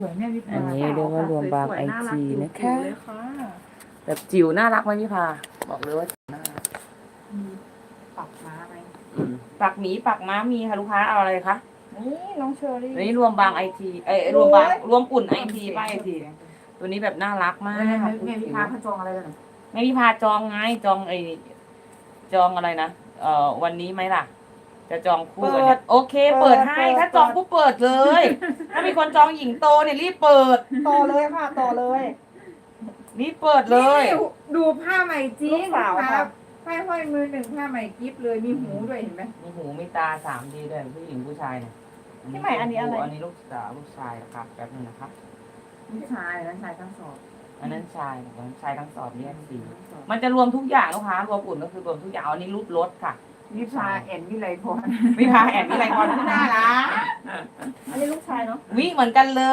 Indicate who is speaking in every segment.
Speaker 1: สวยแม่วิภา
Speaker 2: อันนี้เรียกว่ารวมบางไอจีนะคะ
Speaker 1: เลยค่ะ
Speaker 2: แบบจิ๋วน่ารักไหมพี่พาบอกเลยว่าจิ๋วน่ารัก
Speaker 1: มีปักม้าไหม
Speaker 2: ปักหมีปักม้ามีค่ะลูกค้าเอาอะไรคะ
Speaker 1: นี่น้องเชอรี่
Speaker 2: อันนี้รวมบางไอทีรวมบางรวมปุ่นไอทีป้าไอทีตัวนี้แบบน่ารักมาก
Speaker 1: แม่วิภาเขาจองอะไรกันอ่ะ
Speaker 2: แม่พี่พาจองไงจองจองอะไรนะวันนี้ไหมล่ะ จะจองคู่กันเนี่ยโอเค เปิดให้ถ้าจองปุ๊บเปิดเลย ถ้ามีคนจองหญิงโตเนี่ยรีบเปิด
Speaker 3: ต่อเลยค่ะต่อเลย
Speaker 2: รีบเปิดเลย
Speaker 1: นี่ดูผ้าใหม่จริง
Speaker 3: ลูกสาว
Speaker 1: ค
Speaker 3: ครั
Speaker 1: รับบ ผ้าห้อยมือหนึ่งผ้าใหม่กิฟเลยมีหูด้วยเห็นไหม
Speaker 2: มีหูมีตา3D ด้วยผู้หญิงผู้ชายเนี่ย
Speaker 3: พี่ใหม่อันนี้อะไร
Speaker 2: อันนี้ลูกสาวลูกชายนะครับแป๊บนึงนะครับ
Speaker 1: ผู้ชายและชายทั้งสอง
Speaker 2: อันนั้นชายของชายทั้งสอบเรียกสีมันจะรวมทุกอย่างลูกค้ารวมอุ่นก็คือรวมทุกอย่างอันนี้รูปรถค่ะ
Speaker 1: วิภาแอนวิไลพร
Speaker 2: วิภาแอบวิไลพรที่น่ารัก
Speaker 3: อันนี้ลูกชายเนาะ
Speaker 2: วิเหมือนกันเลย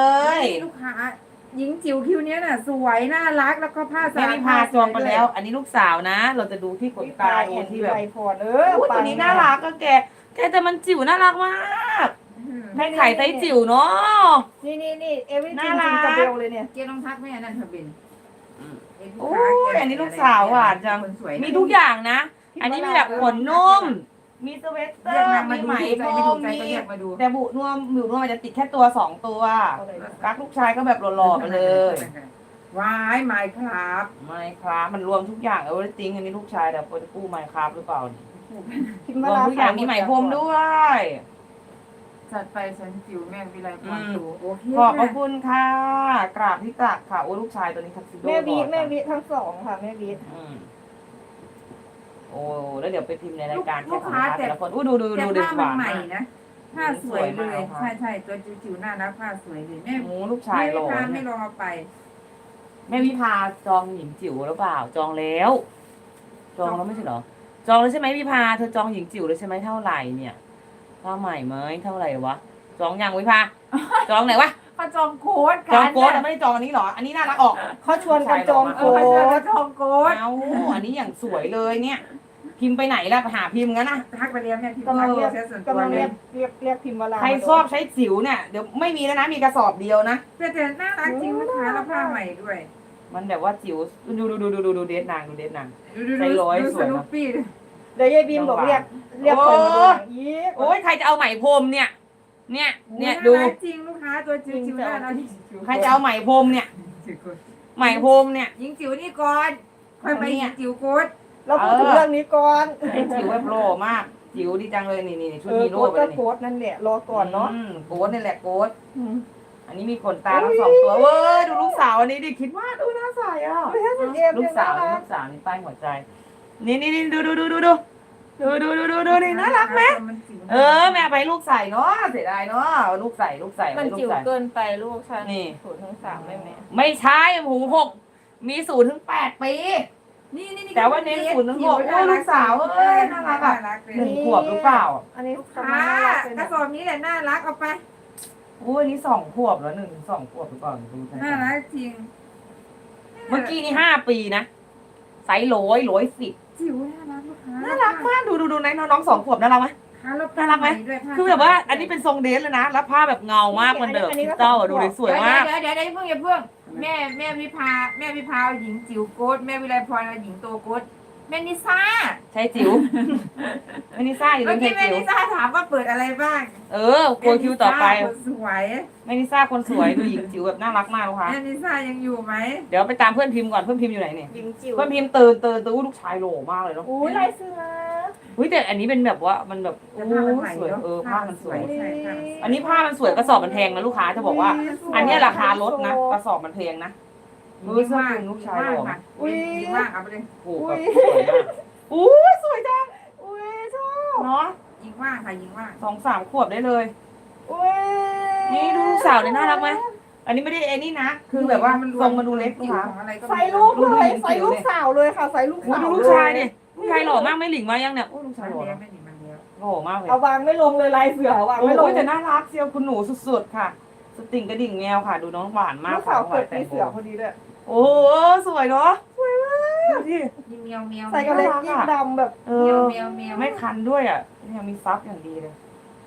Speaker 1: นี่ลูกค้าหญิงจิ๋วคิวเนี้ยน่ะสวยน่ารักแล้วก็ผ้า
Speaker 2: แม่วิภาจองไปแล้ว อันนี้ลูกสาวนะ เราจะดูที่ขนตาดูที่แบบ
Speaker 3: ไอพร
Speaker 2: อู้ตัวนี้น่ารักก็แกแต่มันจิ๋วน่ารักมากแม่ไข่ไซส์จิ๋วเนาะ
Speaker 3: นี่เอวิ
Speaker 2: น่า
Speaker 3: จิง
Speaker 2: รั
Speaker 3: จิ
Speaker 2: ก
Speaker 3: งกับเบลเลยเนี่ย
Speaker 1: เกียร์ต้องทักแม่นั่นเธอเป็น
Speaker 2: โอ้ยอันนี้ลูกสาวหวานจัง
Speaker 1: คนสวย
Speaker 2: มีทุกอย่างนะ อันนี้มีแบบขนนุ่ม มีสเวตเตอ
Speaker 1: เรียก
Speaker 2: ร์
Speaker 1: นางมา
Speaker 2: มี
Speaker 1: ดู
Speaker 2: ไหม
Speaker 1: ใจ
Speaker 2: พ
Speaker 1: ไม่
Speaker 2: ร
Speaker 1: ถู
Speaker 2: ม
Speaker 1: กใจ
Speaker 2: มี
Speaker 1: ก็เรียกมาดู
Speaker 2: แต่บุนวมหมิวนวมมันจะติดแค่ตัว2 ตัวกักลูกชายก็แบบหล่อๆไปเลย
Speaker 1: ว้ายไม้ครับ
Speaker 2: ไม่ครับมันรวมทุกอย่างเออจริงอันนี้ลูกชายแต่โปรตู้ไมครับหรือเปล่านี่
Speaker 3: พิม
Speaker 2: ร
Speaker 3: พ์
Speaker 2: วม
Speaker 3: มา
Speaker 2: ทุกอย่างมีไหมพรมด้วย
Speaker 1: จัดไปฉันจิ๋วแม่วิไลพรดูโอเค
Speaker 2: ขอบพระคุณค่ะ กราบที่ตักค่ะโอ้ลูกชายตัวนี้ทักซิโด
Speaker 3: แม่วิ
Speaker 2: หล่อ
Speaker 3: แม่
Speaker 2: จัง
Speaker 3: วิทั้งสองค่ะแม่วิ
Speaker 2: อืมโอ้แล้วเดี๋ยวไปพิมพ์ในรายการ
Speaker 1: ลูกค้า
Speaker 2: แต่ละคนอู้ดู
Speaker 1: แต่
Speaker 2: เด็
Speaker 1: ผ้า
Speaker 2: ห
Speaker 1: มัน
Speaker 2: วาน
Speaker 1: ใหม่
Speaker 2: มาก
Speaker 1: นะผ้าสวยเลย
Speaker 2: สวยมาก
Speaker 1: ใช่ตัวจิ๋วน่ารักผ้าสวยเลยแม่
Speaker 2: โอ้ลูกชายหล่อ
Speaker 1: พา
Speaker 2: เนี่
Speaker 1: ไม่
Speaker 2: ย
Speaker 1: ลองเอาไป
Speaker 2: แม่วิภาจองหญิงจิ๋วหรือเปล่า จองแล้ว จองแล้วไม่ใช่เหรอ จองแล้วใช่ไหมวิภาเธอจองหญิงจิ๋วแล้วใช่ไหมเท่าไหร่เนี่ยผ้าใหม่ไหมเท่าไหร่วะ จองยังวิภา จองไหนวะ
Speaker 1: เขาจองโค้ด
Speaker 2: จองโค้ดไม่ได้จองอันนี้เหรอ อันนี้น่ารักออก
Speaker 3: เขาชวนกันจอง
Speaker 1: เอ
Speaker 3: โค้
Speaker 1: อเขา
Speaker 3: ด
Speaker 1: จองโค้ด
Speaker 2: เอาอันนี้อย่างสวยเลยเนี่ย พิมพ์ไปไหนล่ะหาพิมพ์งั้นนะ
Speaker 1: ทักไปเรียนแม่พี่
Speaker 3: กำลังเรียก
Speaker 1: เสียส่วนตัว
Speaker 3: กำลัง
Speaker 1: เล
Speaker 3: เรี
Speaker 1: ย
Speaker 3: ยกเรียกพิมพ์เวลา
Speaker 2: ใครชอบใช้จิ๋วเนี่ยเดี๋ยวไม่มีแล้วนะมีกระสอบเดียวนะ
Speaker 1: แต่น่ารักจริงลูกค้าแล้วผ้าใหม่ด้วย
Speaker 2: มันแบบว่าจิ๋วดูเดทนางดูเดทนาง
Speaker 1: ดู
Speaker 2: ใจร้อย
Speaker 1: ดู
Speaker 2: ส
Speaker 1: ส
Speaker 2: วยนะ
Speaker 1: นุปปี้ด้วย
Speaker 3: เดี๋ยวยายบีมบอกเรียกคนมาดูหนังอีก
Speaker 2: โอ้ยใครจะเอาไหมพรมเนี่ย เนี่ยดู
Speaker 1: น่ารักจริงลูกค้าตัวจิ๋วๆน่ารักจริง
Speaker 2: ใครจะเอาไหมพรมเนี่ย ไหมพรมเนี่ย
Speaker 1: หญิงจิ๋วนี่ก่อนค่อยไปหญิงจิ๋วโค้ด
Speaker 3: เราพูดถึงเรื่องนี้ก่อน
Speaker 2: ไอ้จิ๋วแบบโลมาก จิ๋วดีจังเลยนี่ชุดฮีโร่
Speaker 3: โค้ด
Speaker 2: ไป
Speaker 3: ก็
Speaker 2: เลย
Speaker 3: โค้ดนั่นแหละรอก่อนเนาะ
Speaker 2: โกดนี่แหละโกดอันนี้มีขนตาทั้ง2 ตัวเว้ยดูลูกสาวอันนี้ดิคิดว่าดูน่าใสอ่ะ ลูกสาวนี่ป้ายหัวใจ นี่ดูนี่น่ารักไหมแม่ไปลูกใส่เนาะเสียดายเนาะลูกใส่
Speaker 3: มัน
Speaker 2: ลูก
Speaker 3: จิ๋ว
Speaker 2: ใส่
Speaker 3: เกินไปลูกฉัน
Speaker 2: นี่
Speaker 3: 0-3แม่
Speaker 2: ไม่ใช่หู6มี0-8 ปี
Speaker 1: นี่
Speaker 2: แต่ว่าเน้น0-6โอ้ลูกสาวเอ้ยน่ารักอ่ะ 1 ขวบหรือเปล่า
Speaker 3: อันนี้
Speaker 1: ค่ะกระสอบนี้แหละน่ารักเอาไป
Speaker 2: อุ้ยนี่2 ขวบแล้ว1-2 ขวบหรือเปล่าดูใช่
Speaker 1: น่ารักจริง
Speaker 2: เมื่อกี้นี่5 ปีนะไซส์110
Speaker 1: จิ๋วน่ารักลูกค้า
Speaker 2: น่ารักมากดูไหนน้อง2 ขวบน่ารักไหม น่ารักไหม คือแบบว่าอันนี้เป็นทรงเดรสเลยนะ แล้วผ้าแบบเงามากมันแบบคริสตัลดูเลยสวยมาก
Speaker 1: เดี๋ยวเพิ่งแม่วิภาหญิงจิ๋วโค้ดแม่วิไลพรหญิงโตโค้ดแม่นิซ่า
Speaker 2: ใช่จิ๋วไม่นิซ่าอยู่
Speaker 1: เมื่
Speaker 2: ใน
Speaker 1: อ
Speaker 2: เพ
Speaker 1: กี้
Speaker 2: จ
Speaker 1: แม่
Speaker 2: จิ๋ว
Speaker 1: นิซ่าถามว่าเปิดอะไรบ้าง
Speaker 2: โกยคิวต่อไป
Speaker 1: สวย
Speaker 2: ไม่นิซ่าคนสวยดูหญิงจิ๋วแบบน่ารักมากค่ะ
Speaker 1: แม่นิซ่ายังอยู่ไหม
Speaker 2: เดี๋ยวไปตามเพื่อนพิมพ์ก่อนเพื่อนพิมพ์อยู่ไหนเนี่ย
Speaker 3: ยิงจิ๋ว
Speaker 2: เพื่อนพิมพ์ตื่นอู้ลูกชายโหล่มากเลยเนาะ
Speaker 3: อุ้ยลายเสือ
Speaker 2: อุ้ยแต่อันนี้เป็นแบบว่ามันแบบโอ้
Speaker 1: ผ้ามันใหม่
Speaker 2: สวย
Speaker 1: เนาะ
Speaker 2: ผ้ามันสวย
Speaker 1: ใช่
Speaker 2: อันนี้ผ้ามันสวยกระสอบมันแพงนะลูกค้าจะบอกว่า อันเนี้ยราคาลดนะกระสอบมันแพงนะ
Speaker 1: ยิ้มว่างลูกชายหล่อมากยิ้มว่างเอาไปเลย
Speaker 2: โอ้โหแบบสวยมากอู้สวยจัง
Speaker 3: อุ้ยชอบ
Speaker 2: เนาะ
Speaker 1: ยิ้มว่างค่ะยิ้มว่าง
Speaker 2: 2-3 ขวบได้เลย
Speaker 3: อุ้ย
Speaker 2: นี่ดูลูกสาวเนี่ยน่ารักไหมอันนี้ไม่ได้ไอ้นี่นะ คือแบบว่าทรงมันดูเล็กนะคะ
Speaker 3: ใส่ลูกเลยใส่ลูกสาวเลยค่ะใส่ลูก
Speaker 2: โอ้
Speaker 3: สาว
Speaker 2: ดูลูกชายดิลูกชายหล่อมากไม่หลิงมายังเนี่ยโอ้ลูกชายหล่อนะหล่อมากเลย
Speaker 3: เอาวางไม่ลงเลยลายเสือวาง
Speaker 2: โอ้
Speaker 3: ไม่ลง
Speaker 2: ยแต่น่ารักเชียวคุณหนูสุดๆค่ะ สติ่งกระดิ่งแมวค่ะ ดูน้องหวานมาก
Speaker 3: ลูกสาวเกิดปีเสือพอดีเลย
Speaker 2: โอ้โหสวยเนาะสวยมากดูดิ
Speaker 1: ยิ้มเมียวเมียว
Speaker 3: ใส่กระเล็กยิ่งดำแบบ
Speaker 2: เออไม่คันด้วยอ่ะยังมีซับอย่างดีเลย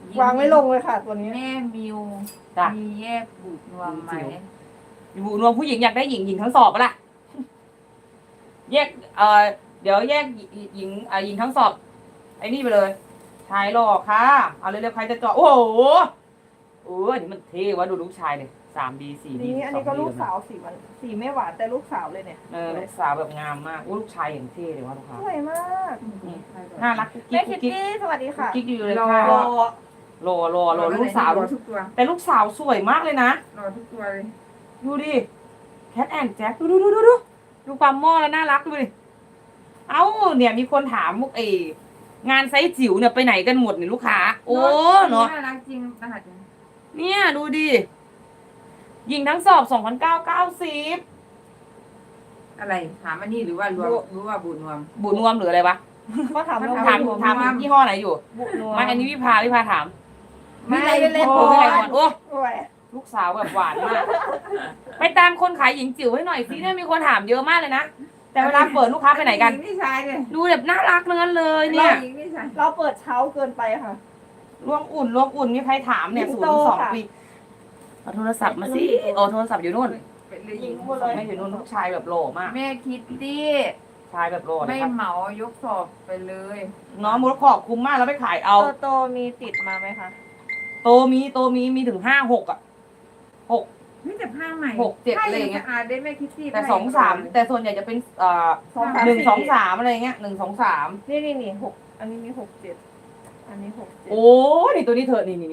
Speaker 3: วางไม่ลงเลยค่ะ ตัวนี้
Speaker 1: แม่มิว
Speaker 2: จ้ะ
Speaker 1: มีแยกบูดนวมไหม
Speaker 2: อยู่รวมผู้หญิงอยากได้หญิงทั้งสอบปะล่ะแยกเดี๋ยวแยกหญิงหญิงทั้งสอบไอ้นี่ไปเลยชายหล่อค่ะเอาเร็วๆใครจะเจาะโอ้โหอันนี้มันเท่วะดูลูกชายเลย3D 4D
Speaker 3: นี่อันนี้ก็ลูกสาวสีไม่หวานแต่ลูกสาวเลยเนี่ย
Speaker 2: ลูกสาวแบบงามมากลูกชายอย่างเท่เลยวะลูกค้า
Speaker 3: สวยมาก
Speaker 2: น่ารักกุ๊ก
Speaker 3: แม่
Speaker 2: กิ๊ก
Speaker 3: คิ
Speaker 2: กุ๊
Speaker 3: ต
Speaker 2: กกิ๊ก
Speaker 3: ตี้สวัสดีค่ะ
Speaker 2: กิ๊กอยู่เลย
Speaker 1: รอ
Speaker 2: ค่ะ
Speaker 3: รอ
Speaker 2: รอลูกสาว
Speaker 1: รอทุกตัว
Speaker 2: แต่ลูกสาวสวยมากเลยนะ
Speaker 1: รอทุกตัวเลย
Speaker 2: ดูดิแคทแอนด์แจ็คดูความหม้อแล้วน่ารักดูดิเอ้าเนี่ยมีคนถามมุกงานไซส์จิ๋วเนี่ยไปไหนกันหมดเนี่ยลูกค้าโอ้เนาะ
Speaker 1: น่ารักจริงรหัส
Speaker 2: เนี่ยดูดิยิงทั้งสอบ2,990
Speaker 1: อะไรถามอันนี้หรือว่ารวมหรือว่าบูดนวม
Speaker 2: บุญรวมหรืออะไรวะ
Speaker 3: ก็ถามเรา
Speaker 2: ถามยี่ห้อไหนอยู่
Speaker 3: บุญนัว
Speaker 2: ไม่อันนี้วิภาถาม
Speaker 3: ไม่เล่น
Speaker 2: โอ้
Speaker 3: โอ้
Speaker 2: ไม่
Speaker 3: ย
Speaker 2: ไรก่อนโอ้
Speaker 3: โอ้ย
Speaker 2: ลูกสาวแบบหวานมากไปตามคนขายหญิงจิ๋วให้หน่อยสิเนี่ยมีคนถามเยอะมากเลยนะแต่เวลาเปิดลูกค้าไปไหนกัน
Speaker 1: นี่ชายเลย
Speaker 2: ดูแบบน่ารักทั้งนั้นเลยเนี่ย
Speaker 1: หญิงนี่ชาย
Speaker 3: เราเปิดเช้าเกินไปค่ะ
Speaker 2: ร่วงอุ่นมีใครถามเนี่ย
Speaker 3: หญิ
Speaker 2: ศู
Speaker 3: ง
Speaker 2: น
Speaker 3: โต
Speaker 2: ย์สอง
Speaker 3: ค่ะ
Speaker 2: ปีเอาโทรศัพท์มาสิโทรศัพท์อยู่นู่น
Speaker 1: เป็นเลยหญิง
Speaker 2: ไม่อยู่นู่นลูกชายแบบหล่อมาก
Speaker 1: แม่คิตตี้
Speaker 2: ชายแบบหล่อเล
Speaker 1: ไม่
Speaker 2: ยครับ
Speaker 1: เหมายกสอบไปเลย
Speaker 2: น้องมูลขอบคุ้มมากแล้วไปขายเอา
Speaker 3: โตมีติดมาไหมคะ
Speaker 2: โตมีถึง5-6อ่ะ6
Speaker 1: นี่แต่ผ้าใหม่
Speaker 2: 6-7อะไรอย่างเงี้ย
Speaker 1: อาได้แม่คิตตี้
Speaker 2: แต่2-3แต่ส่วนใหญ่จะเป็น1-2-3อะไรเงี้ย1-2-3
Speaker 3: นี่หกอันนี้มี6-7อันนี้6-7
Speaker 2: โอ้นี่ตัวนี้เธอนี่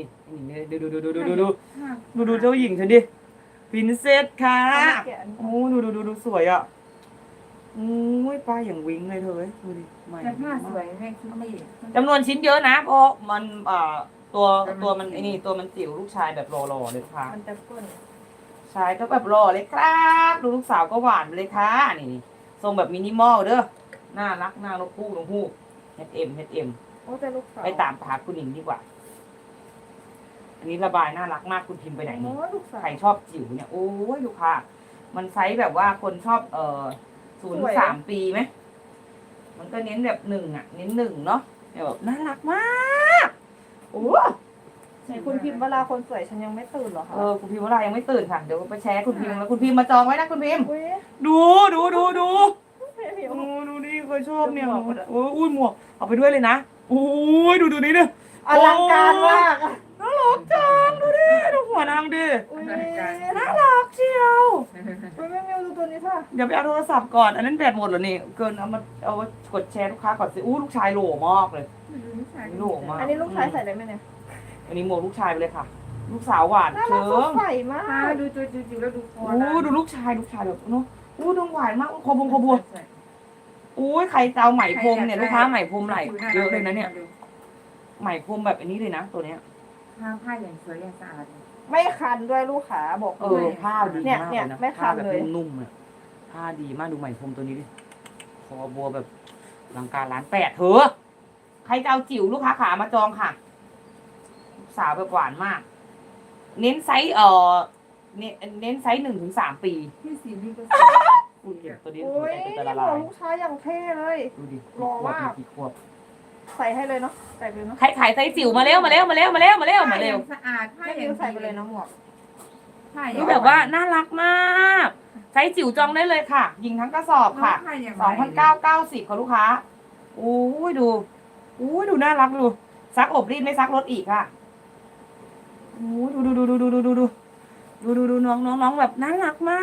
Speaker 2: ดูเจ้าหญิงฉันดิพินเซสค่ะโอ้ดูสวยอ่ะโอ้ยป้าอย่างวิ้งเลยเธอดูดิใหม่
Speaker 1: แต่ผ้าสวยแม่คิตตี้
Speaker 2: จำนวนชิ้นเยอะนะเพราะมันตัวมันไอ้นี่ตัวมันจิ๋วลูกชายแบบหล่อๆเลยค่ะ
Speaker 3: มันจะเปิ้ล
Speaker 2: ชายก็แบบหล่อเลยครับดูลูกสาวก็หวานไปเลยค่ะนี่ทรงแบบมินิมอลเด้อน่ารักน่ารักคู่ฮูก H&M
Speaker 3: โอ้แต่ลูกสาว
Speaker 2: ไปตามหาคุณหญิงดีกว่า อันนี้ระบายน่ารักมากคุณพิมพ์ไปไหนนี่
Speaker 3: โอ้ลูกสาว
Speaker 2: ใครชอบจิ๋วเนี่ยโอ้ยลูกค้ามันไซส์แบบว่าคนชอบ0-3 ปีไหมมันก็เน้นแบบ1อ่ะเน้น1เนาะแบบน่ารักมากโอ้
Speaker 3: ไหนคุณพิมพ์เวลาคนสวยฉันยังไม่ตื่นเหรอคะ
Speaker 2: คุณพิมพ์ว่าอะไรยังไม่ตื่นค่ะเดี๋ยวไปแชร์คุณพิมพ์แล้วคุณพิมพ์มาจองไว้นะคุณพิมพ์
Speaker 3: อุ้ย
Speaker 2: ดู
Speaker 3: ไม่ผิว
Speaker 2: ดูดิเคยชอบเนี่ยโอ้ยหมวกเอาไปด้วยเลยนะโอ้ยดูนี่ดิ
Speaker 3: อลังการมาก
Speaker 2: น่ารักจังดูดิดูหัวนางดิ
Speaker 3: อุ้ย
Speaker 2: น่ารักเชียว
Speaker 3: อุ้ยแม่มิวดูตัวนี้ค่ะ
Speaker 2: เดี๋ยวไปเอาโทรศัพท์ก่อนอันนั้นแบตหมดเหรอนี่เกินเอากดแชร์ลูกค้าก่อนสิลูกชายโหล่มากเลยโหล่มาก
Speaker 3: อันนี้ลูกชายใส่ได้ไหมเนี่ย
Speaker 2: อันนี้หมวกลูกชายไปเลยค่ะ ลูกสาวหวาน
Speaker 3: น่ารั
Speaker 2: เชิ
Speaker 3: กสด
Speaker 2: ง
Speaker 3: ใสมา
Speaker 1: ผ้าก ดูตัวจิ๋วแล้วดูคอ
Speaker 2: โอ้ดูลูกชายแบบเนาะโอ้ดูหวานมากคอบัวโอ้ยใครจะเอาไหมพรมเนี่ยลูกค้าไหมพรมไหลเยอะเลยนะเนี่ยไหมพรมแบบอันนี้เลยนะตัวเนี้ย
Speaker 1: ผ้าอย่างสวยอย่างสะอาด
Speaker 3: ไม่คันด้วยลูกขาบอกเลย
Speaker 2: ผ้าดี
Speaker 3: เนี่ย
Speaker 2: มาก
Speaker 3: เนี่
Speaker 2: เลย ยนะ
Speaker 3: ไม่คั
Speaker 2: ผ้าน แบบ
Speaker 3: เลย
Speaker 2: นุ่มๆเนี่ยผ้าดีมากดูไหมพรมตัวนี้ดิคอบัวแบบลังการร้าน8เถอะใครจะเอาจิ๋วลูกค้าขามาจองค่ะลูกสาวแบบหวานมาก เน้นไซส์เน้นไซส์1-3 ปี
Speaker 1: พี่สีนี่ก็
Speaker 2: คุณเห็นตัวนี้
Speaker 3: โอ้ย
Speaker 2: จะละ
Speaker 3: หม
Speaker 2: ลา
Speaker 3: วย ลูกชายอย่างเท่เลย
Speaker 2: ดูดิ
Speaker 3: หล่อมาก
Speaker 2: กี่ขวบ
Speaker 3: ใส่ให้เลยเนาะใส่ไปเลยเนาะ
Speaker 2: ใครขายไซส์จิ๋วมาเร็ว
Speaker 1: ผ้าอย่างสะอาดผ้า
Speaker 3: แม่
Speaker 1: อ
Speaker 3: มิ
Speaker 1: ย่าง
Speaker 3: วใส่ไปเลยเนาะหมวก
Speaker 1: ผ้าอ
Speaker 2: นี่
Speaker 1: ย่าง
Speaker 2: แบบว่าน่ารักมากไซส์จิ๋วจองได้เลยค่ะ ยิงทั้งกระสอบค่ะ
Speaker 1: ผ้าอย่าง
Speaker 2: 2,990ค่ะลูกค้าโอ้ยดูน่ารักดูซักอบรีดไม่ซักรถอีกค่ะโอ้ยดูน้องแบบน่ารักมาก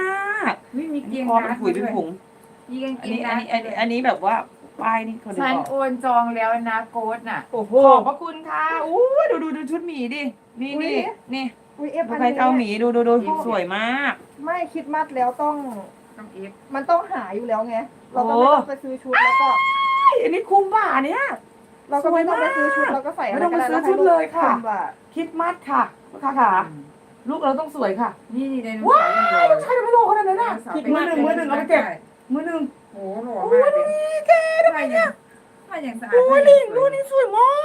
Speaker 1: ไม่มีเกียง
Speaker 2: คอเป็นผุยเป็นผง
Speaker 1: มีกางเก
Speaker 2: อัน
Speaker 1: ง
Speaker 2: นี้แบบว่าป้ายนี่คนนึง
Speaker 1: ฉัน
Speaker 2: ออก
Speaker 1: โอนจองแล้วนะโค้ดน่ะ
Speaker 3: โอ้โห
Speaker 2: ขอบพระคุณค่ะอู้ดูชุดหมีดิ นี่
Speaker 3: อุ๊ย
Speaker 2: นี่
Speaker 3: อุ้ยเอฟ
Speaker 2: ดู
Speaker 3: อัน
Speaker 2: ใครจะเอาหมี
Speaker 3: นี้
Speaker 2: ดูสวยมาก
Speaker 3: ไม่คิดมัดแล้วต้อง
Speaker 1: ต้องเอฟ
Speaker 3: มันต้องหาอยู่แล้วไง เราก็ไม่ต้องไปซื้อชุดแล้วก็
Speaker 2: อันนี้คุ้มบ่าเนี่ย
Speaker 3: เราก็ไม่ต้องไปซื้อชุดเราก็ใส่อะไรก็ได้
Speaker 2: ไม่ต้องไปซื้อชุดเลยค่ะ
Speaker 3: คุ้มบ่า
Speaker 2: คิดมัดค่ะลูกค้าค่ะ ลูกเราต้องสวยค่ะ
Speaker 1: นี่ในหนัง
Speaker 2: ว้า
Speaker 1: สือ
Speaker 2: วลูกชายไม่โลขนาดนั้นน่ะมือหนึ่งเอาไปเก็บมือหนึ่ง
Speaker 1: โอ้โหหล่อมากเลยผ้าอย่างสะอาด
Speaker 2: โอ้ยลิงดูนี่สวยมาก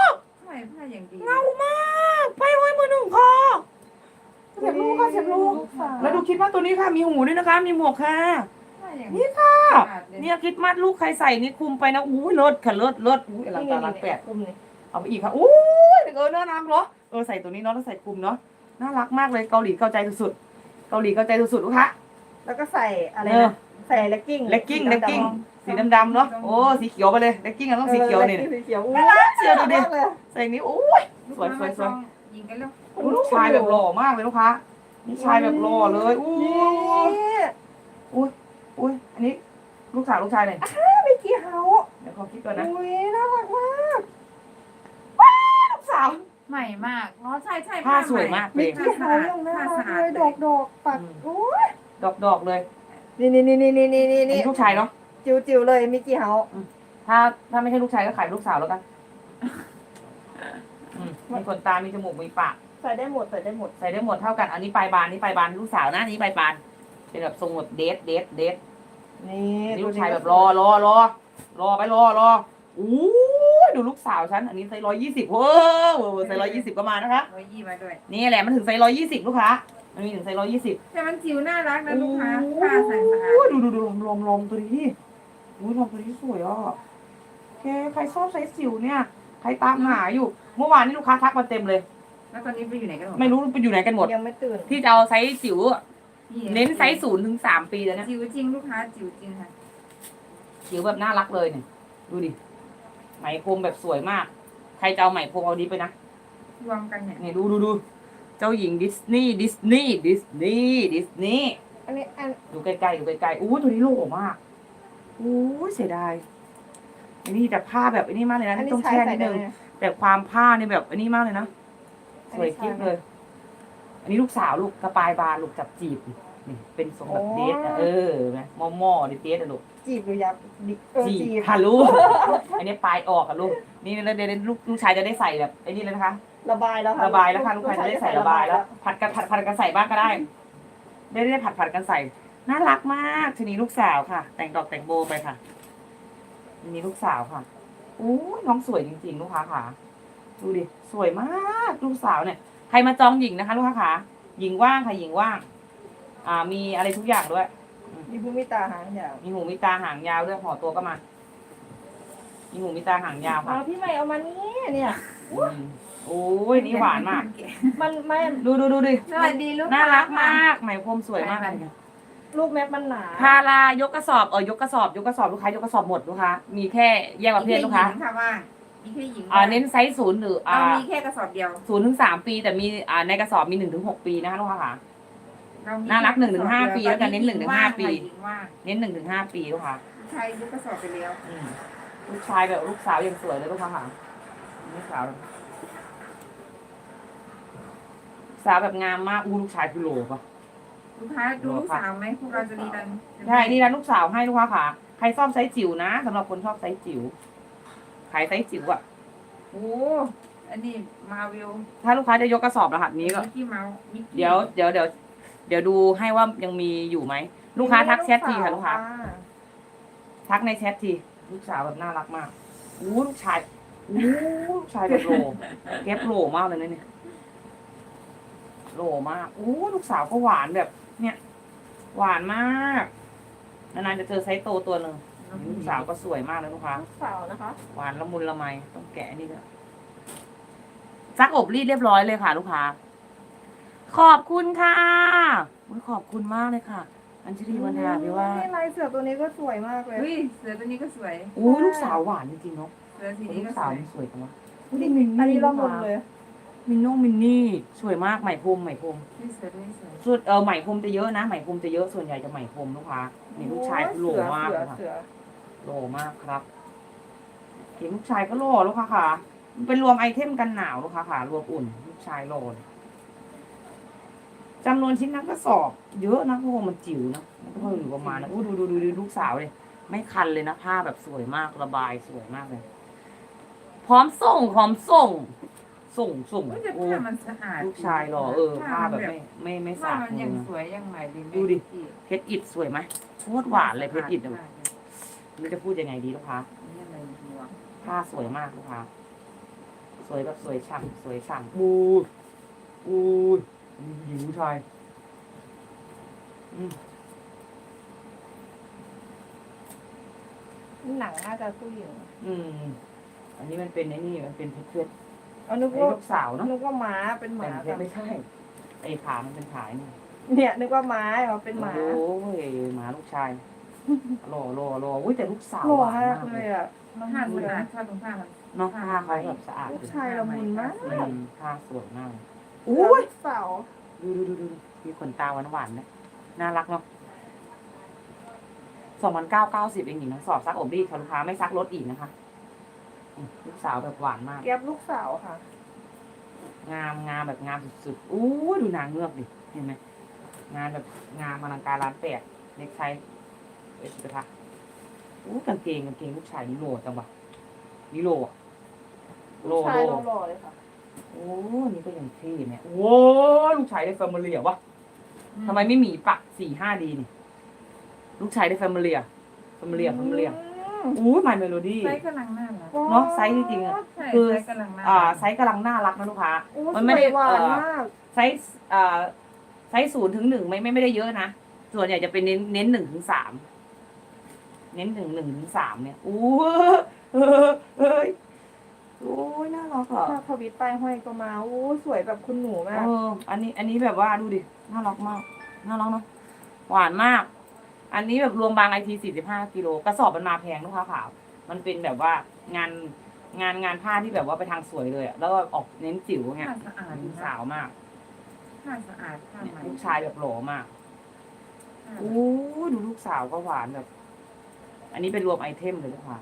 Speaker 1: ผ้าอย่างดี
Speaker 2: เงามากไปไว้มือหนึ่งค่ะเสียบลูกค่ะเสียบลูก
Speaker 3: สาว
Speaker 2: แล้วดูคิดว่าตัวนี้ค่ะมีหูด้วยนะคะ มีหมวกค่ะ
Speaker 1: ผ้าอย่าง
Speaker 2: นี่ค่ะ
Speaker 1: สะอาดเลย
Speaker 2: เนี่ยคิดมัดลูกใครใส่นี่คุมไปนะอู้ยเลิศค่ะเลิศอุ้ยอลังการร้านแปด
Speaker 3: คุ้มนี่
Speaker 2: เอาไปอีกค่ะอู้ยน่ารักเนาะใส่ตัวนี้เนาะแล้วใส่คลุมเนาะน่ารักมากเลยเกาหลีเข้าใจสุดๆเกาหลีเข้าใจสุดๆลูกค้า
Speaker 3: แล้วก็ใส่อะไรนะใส่เลกกิ้ง
Speaker 2: เลกกิ้งสีดำๆเนาะโอ้สีเขียวไปเลยเลกกิ้งต้องสีเขียวนี่
Speaker 3: สีเขียว
Speaker 2: น่ารักเชียวดูดิ
Speaker 3: มากเลย
Speaker 2: ใส่นี้โอ้ยสวย
Speaker 1: ยิงกันแล้ว
Speaker 2: ลูกชายแบบหล่อมากเลยลูกค้านี่ชายแบบหล่อเลยอู้
Speaker 3: นี่
Speaker 2: อุ้ยอันนี้ลูกสาวลูกชายเลย
Speaker 3: ไม่กี่เฮา
Speaker 2: เดี๋ยวขอคิดก่อนนะ
Speaker 3: อุ้ยน่ารักมาก
Speaker 2: ลูกสาว
Speaker 1: ใหม่มากอ๋อใช่
Speaker 2: ผ้าสวยมากเลย
Speaker 3: กี่เฮายังน่ารักเลยดอกปัดโอ้ย
Speaker 2: ดอกเลย
Speaker 3: นี่
Speaker 2: อันนี้ลูกชายเนาะ
Speaker 3: จิ๋วเลยมิกกี้เฮา
Speaker 2: ถ้าไม่ใช่ลูกชายก็ขายลูกสาวแล้วกันมีขนตา มีจมูก มีปาก
Speaker 3: ใส่ได้หมด
Speaker 2: ใส่ได้หมดเท่ากัน อันนี้ปลายบานนี่ปลายบานลูกสาวนะนี่ปลายบานเป็นแบบทรงแบบเดท
Speaker 3: นี่
Speaker 2: นี่ลูกชายแบบรอไปอู้ดูลูกสาวฉันอันนี้ไซส์120เว้อไซส์120ก็มานะคะ
Speaker 1: 120มาด้วย
Speaker 2: นี่แหละมันถึงไซส์120ลูกค้ามันมีถึงไซส์120
Speaker 1: แต่มันจิ๋วน่ารักนะลูกค้าผ้าใส่สะอาด
Speaker 2: ดูลมตัวนี้อุ้ยลมตัวนี้สวยอ่ะแกใครชอบไซส์จิ๋วเนี่ยใครตามหาอยู่เมื่อวานนี้ลูกค้าทักมาเต็มเลย
Speaker 1: แล้วตอนนี้ไปอยู่ไหนกันหมด
Speaker 2: ไม่รู้ไปอยู่ไหนกันหมด
Speaker 3: ยังไม่ตื่น
Speaker 2: ที่จะเอาไซส์จิ๋วเน้นไซส์0 ถึง 3 ปีแล้วเนี่ย
Speaker 1: จิ๋วจริงลูกค้าจิ๋วจริงค่ะ
Speaker 2: จิ๋วแบบน่ารักเลยเนี่ยดูดิไหมพรมแบบสวยมาก ใครจะเอาไหมพรมเอาดีไปนะ
Speaker 1: รวมกันเนี่ย
Speaker 2: นี่ดูเจ้าหญิงดิสนีย์
Speaker 3: อันนี้
Speaker 2: ดูใกล้ๆอู้ตัวนี้โหล่มากอู้เสียดายอันนี้แต่ผ้าแบบอันนี้มากเลยนะ
Speaker 3: อันนี้
Speaker 2: ต้อง
Speaker 3: ใช้
Speaker 2: แช่
Speaker 3: ใส่
Speaker 2: นิด
Speaker 3: ได้
Speaker 2: นึง
Speaker 3: ไหม
Speaker 2: แต่ความผ้านี่แบบอันนี้มากเลยนะสวยกิ๊บเลย อันนี้ลูกสาวลูกกระปายบานลูกจับจีบนี่เป็นทรงแบบเดทนะนะหม้อดิเดทอะลูก
Speaker 3: จีบหรือยับ
Speaker 2: จี
Speaker 3: จีบ
Speaker 2: ค่ะลูก อันนี้ปลายออกอะลูกนี่เดี๋ยวลูกชายจะได้ใส่แบบไอ้นี่เลยนะคะ
Speaker 3: ระบายแล้วค่ะ
Speaker 2: ระบายแล้วค่ะลูกชายจะได้ใส่ระบายแล้วผัดกันใส่บ้างก็ได้ได้ผัดกันใส่น่ารักมากทีนี้ลูกสาวค่ะ แต่งดอกแต่งโบไปค่ะทีนี้ลูกสาวค่ะอู้น้องสวยจริงๆลูกค้าค่ะดูดิสวยมากลูกสาวเนี่ยใครมาจองหญิงนะคะลูกค้าค่ะหญิงว่างค่ะหญิงว่างมีอะไรทุกอย่างด้วย
Speaker 3: มีภูมิตาหางยาว
Speaker 2: มีหูมีตาหางยาวด้วยห่อตัวก็มามีหูมีตาหางยาวค่ะ
Speaker 3: พี่ใหม่เอามานี่เนี่ย
Speaker 2: โอ้ยนี่หวานมาก
Speaker 3: มันไม่
Speaker 2: ดูดิ
Speaker 1: สวัสดีลูก
Speaker 2: น่ารักมากไหมพรมสวยมากเลย
Speaker 3: ลูกแม็กมันหนา
Speaker 2: พารายกกระสอบยกกระสอบลูกค้ายกกระสอบหมดลูกค้ามีแค่แยกประเภทลูกค้า
Speaker 1: ค่ะว่ามีแค่หญิง
Speaker 2: เน้นไซส์0 หรือ
Speaker 1: เรามีแค่กระสอบเดียว
Speaker 2: 0 ถึง 3 ปี แต่มีในกระสอบมี 1 ถึง 6 ปีนะคะลูกค้าค่ะ น่ารัก1 ถึง 5 ปีแล้วกันเน้น1 ถึง 5 ปี เน้น1 ถึง 5 ปีลูกค้า
Speaker 1: ใช้ยกกระสอบไปแล้ว
Speaker 2: ลูกชายแบบลูกสาวยังสวยเลยลูกค้าค่ะลูกสาวแบบงามมากลูกชายคือโหลป่ะ
Speaker 1: ลูกค้าดูลูกสาวไหมพวกเราจะดีกัน
Speaker 2: ใช่นี่ร้านลูกสาวให้ลูกค้าค่ะใครชอบไซส์จิ๋วนะสำหรับคนชอบไซส์จิ๋วขายไซส์จิ๋วอ่ะ
Speaker 1: โอ้อันนี้มาวิว
Speaker 2: ถ้าลูกค้าจะยกกระสอบรหัสนี้ก็
Speaker 1: มิกกี้เมาส์
Speaker 2: เดี๋ยวดูให้ว่ายังมีอยู่ไหมลูกค้าทักแชททีค่ะลูกค้าทักในแชททีลูกสาวแบบน่ารักมากลูกชายลูกชายแบบโหลเก็บโหลมากเลยนะเนี่ยโหลมากลูกสาวก็หวานแบบ เนี่ย หวานมากนานๆจะเจอไซส์โตตัวหนึ่งลูกสาวก็สวยมากเลยลูกค้า
Speaker 3: ลูกสาวนะคะ
Speaker 2: หวานละมุนละไมต้องแกะนี่ด้วยซักอบรีดเรียบร้อยเลยค่ะ ลูกค้าขอบคุณค่ะขอบคุณมากเลยค่ะ อัญชลีวรรณาพี่ว่า
Speaker 3: ลายเสือตัวนี้ก็สวยมากเลย
Speaker 1: เฮ้ยเสือตัวนี้ก็สวย
Speaker 2: ลูกสาวหวานจริงๆเนาะ
Speaker 1: เสือสี
Speaker 2: ลู
Speaker 1: นี้
Speaker 2: ก
Speaker 1: ก็ส
Speaker 2: สาว
Speaker 1: วย
Speaker 2: มันสวยจังวะ
Speaker 3: อันนี้ละมุนเลย
Speaker 2: มินนี่สวยมากไหมพรม
Speaker 1: นี่เสือตัวนี้สวย
Speaker 2: ส่วนไหมพรมจะเยอะนะไหมพรมจะเยอะส่วนใหญ่จะไหมพรมลูกค้านี่ลูกชายคือโหล่มากเลยค่ะ
Speaker 3: เสือ
Speaker 2: โหล่มากครับเห็นลูกชายก็โหล่ลูกค้าค่ะเป็นรวมไอเทมกันหนาวลูกค้าค่ะรวมอุ่นลูกชายโหล่จำนวนชิ้นนักกระสอบเยอะนะเพราะว่ามันจิ๋วนะมันก็อยู่ประมาณนะดูลูกสาวเลยไม่คันเลยนะผ้าแบบสวยมากระบายสวยมากเลยพร้อมส่งส่ง
Speaker 1: แต่ผ้ามันสะอาด
Speaker 2: ลูกชายหล่อผ้าแบบไม่
Speaker 1: ผ้า
Speaker 2: สาด
Speaker 1: มัน
Speaker 2: มื
Speaker 1: ยัง
Speaker 2: อ
Speaker 1: สวยยังใหม่ดี
Speaker 2: ดูดิเพชรอิดสวยไหมโคตรหวานเลยเพชรอิดไม่จะพูดยังไงดีลูกค้าผ้าสวยมากลูกค้าสวยแบบสวยฉ่ำบูหญิงผู้ชาย
Speaker 3: หนังน่าจะผู้หญิง
Speaker 2: อันนี้มันเป็นไอ้นี่มันเป็นเพชร
Speaker 3: เอานึก
Speaker 2: ไอ้
Speaker 3: ว่า
Speaker 2: ลูกสาวเนาะ
Speaker 3: นึกว่าม้าเป็นห
Speaker 2: แต่
Speaker 3: มา
Speaker 2: เพชรไม่ใช่ไอ้ขามันเป็นขานี่
Speaker 3: เนี่ยนึกว่าม้าเอาเป็นหมา
Speaker 2: โอ้ยหมาลูกชายรออุ้ยแต่ลูกสาว
Speaker 3: หล่อ
Speaker 2: หวาน
Speaker 3: มาก
Speaker 2: มาก
Speaker 3: เล
Speaker 2: เลย ย
Speaker 3: อ่ะ
Speaker 1: ผ้าสะอาดผ้าตรงผ้ามัน
Speaker 2: เนาะผ้าเขาแบบสะอาด
Speaker 3: ลูกชายละมุนมาก
Speaker 2: ผ้าสวยมาก
Speaker 3: อุ้ยเสา
Speaker 2: ดูมีขนตาหวานๆนะน่ารักเนาะ2,990เองหญิงนะสอบซักอบรีดค่ะลูกค้าไม่ซักรถอีกนะคะลูกสาวแบบหวานมาก
Speaker 3: แก๊บลูกสาวค่ะ
Speaker 2: งามแบบงามสุดๆอู้ดูนางเงือกดิเห็นไหมงานแบบงามอลังการร้านแปดเล็กไซส์เอ็กซ์กระทะอู้กางเกงลูกชายนี่โลจังวะนี่โลอะ
Speaker 3: ลูกชายหล่อๆเลยค่ะ
Speaker 2: โอ้นี่ก็ยังเท่เนี่ยโอ้ลูกชายได้แฟมิเลียวะทำไมไม่หมีปัก4-5ดีนี่ลูกชายได้แฟมิเลียอู้My Melody
Speaker 1: ไซส์กำลังน่ารัก
Speaker 2: เนาะไซส์จริงๆอะ
Speaker 1: ใช่
Speaker 2: คือ
Speaker 1: ไซส์กำลังน่า
Speaker 2: ไซส์กำลังน่ารักนะลูกค้า
Speaker 3: โอ้
Speaker 2: มัน
Speaker 3: ส
Speaker 2: ไม่
Speaker 3: ว
Speaker 2: ได้
Speaker 3: ยหวานมาก
Speaker 2: ไซส์ไซส์0-1ไม่ได้เยอะนะส่วนใหญ่จะเป็นเน้น1-3เน้น1-3เนี่ยอู้เฮ้ยโอ้ยน่ารักอ่ะ
Speaker 3: ถ้าทวิตไปห้อยก็มาโอ้สวยแบบคุณหนูมาก
Speaker 2: อันนี้แบบว่าดูดิน่ารักมากน่ารักเนาะหวานมาก อันนี้แบบรวมบางIT 45 กิโลกระสอบมันมาแพงลูกค้าขาวมันเป็นแบบว่างานผ้าที่แบบว่าไปทางสวยเลยอะแล้วก็ออกเน้นจิ๋วเงี้ย
Speaker 1: ผ้าสะอาด
Speaker 2: ลูกสาวมาก
Speaker 1: ผ้าสะอาดผ้า
Speaker 2: เนี่ย
Speaker 1: ใหม่
Speaker 2: ลูกชายแบบหล่อมาก
Speaker 1: ผ้า
Speaker 2: โอ้ดูลูกสาวก็หวานแบบ อันนี้เป็นรวมไอเทมเลยลูกค้า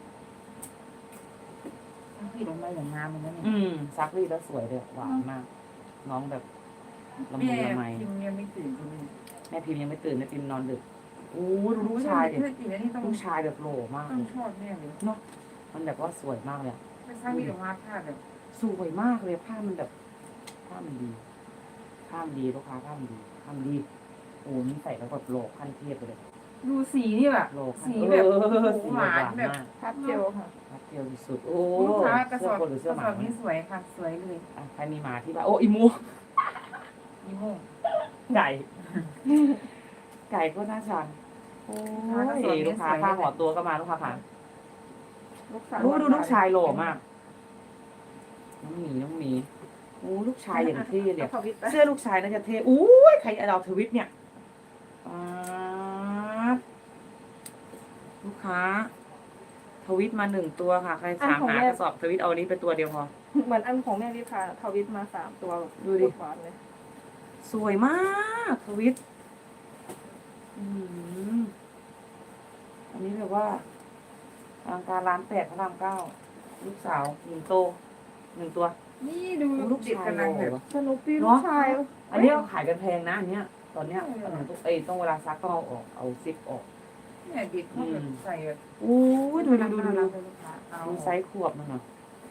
Speaker 1: พี่ลงมาอย่างงามเหมือนกันเนี่ย
Speaker 2: ซักรีดแล้วสวยเลยหวานมาก น้องแบบละมุน
Speaker 1: แม่
Speaker 2: ละไม
Speaker 1: พิมพ์ยังไม่ตื่นเลย
Speaker 2: แม่พิมพ์ยังไม่ตื่นแม่พิมพ์นอนดึกโอ้ดูลูกชายดิ
Speaker 1: ถ้าจริงแล้วนี่ต้อง
Speaker 2: ลูกชายแบบหล่อมาก
Speaker 1: ต้อ
Speaker 2: เล
Speaker 1: ง
Speaker 2: ย
Speaker 1: ชอบแน่เลย
Speaker 2: มันแบบว่าสวยมากเลยอะ
Speaker 1: ไม่ใช่มีแต่ว่าผ้าแบบ
Speaker 2: สวยมากเลยผ้ามันแบบผ้ามันดีลูกค้าผ้ามันดีโอ้นี่ใส่แล้วแบบโลกขั้นเทพเลย
Speaker 1: ดูสีนี่แบบ
Speaker 2: โลกขั้น
Speaker 1: สีแบบ
Speaker 2: สี
Speaker 1: หวานแบบ
Speaker 2: มาก
Speaker 3: พับเจลค่ะ
Speaker 2: พับเทียวที่สุดโอ้
Speaker 1: ลูกค้ากระสอบ
Speaker 2: เสื้อคนหรือก เสื้อ
Speaker 1: ระ
Speaker 2: ห
Speaker 1: ส
Speaker 2: มา
Speaker 1: อบนี้สวยค่ะ สวยเลย
Speaker 2: อ่ะใครมีหมาที่บ้านโอ้อีมู
Speaker 1: ยี่โม่ง
Speaker 2: ไก่ก็น่าชังโอ้ยลูกค้าผ้าห่อตัวก็มาลูกค้าผ่าน
Speaker 3: ลูกสาว
Speaker 2: ดูลูกชายหล่อมากน้องหมีโอ้ลูกชายอย่างเท่เลย
Speaker 3: ทวิตไป
Speaker 2: เสื้อลูกชายน่าจะเท่อู้ยใครเอาทวิตเนี่ยป๊าดลูกค้า ทวิตมา1 ตัวค่ะ ใครถามหากระสอบทวิตเอาอันนี้เป็นตัวเดียวพอ
Speaker 3: เหมือนอันของแม่วิภาทวิตมา3 ตัว
Speaker 2: ดูดิ
Speaker 3: หวานเลย
Speaker 2: สวยมากทวิตอืมอันนี้แบบว่าอลังการร้าน8 พระราม 9ลูกสาว1 โต1 ตัว
Speaker 1: นี่ดู
Speaker 2: ลูก
Speaker 1: เด็ก
Speaker 2: ชาย
Speaker 1: กำลังแบบ
Speaker 2: หล่อ
Speaker 3: สนุปปี้
Speaker 2: เน
Speaker 3: ลู
Speaker 2: อะ
Speaker 3: กชาย
Speaker 2: อันนี้เราขายกันแพงนะอันเนี้ย ตอนเนี้ยต้องเวลาซักต้องเอาออกเอาซิปออก
Speaker 1: เนี่ยเด็กเขาแบบใส่แบบ
Speaker 2: อู้ยดู
Speaker 1: น่ารักเลยลูกค้าเอา
Speaker 2: ดูไซส์ขวบมันเหรอ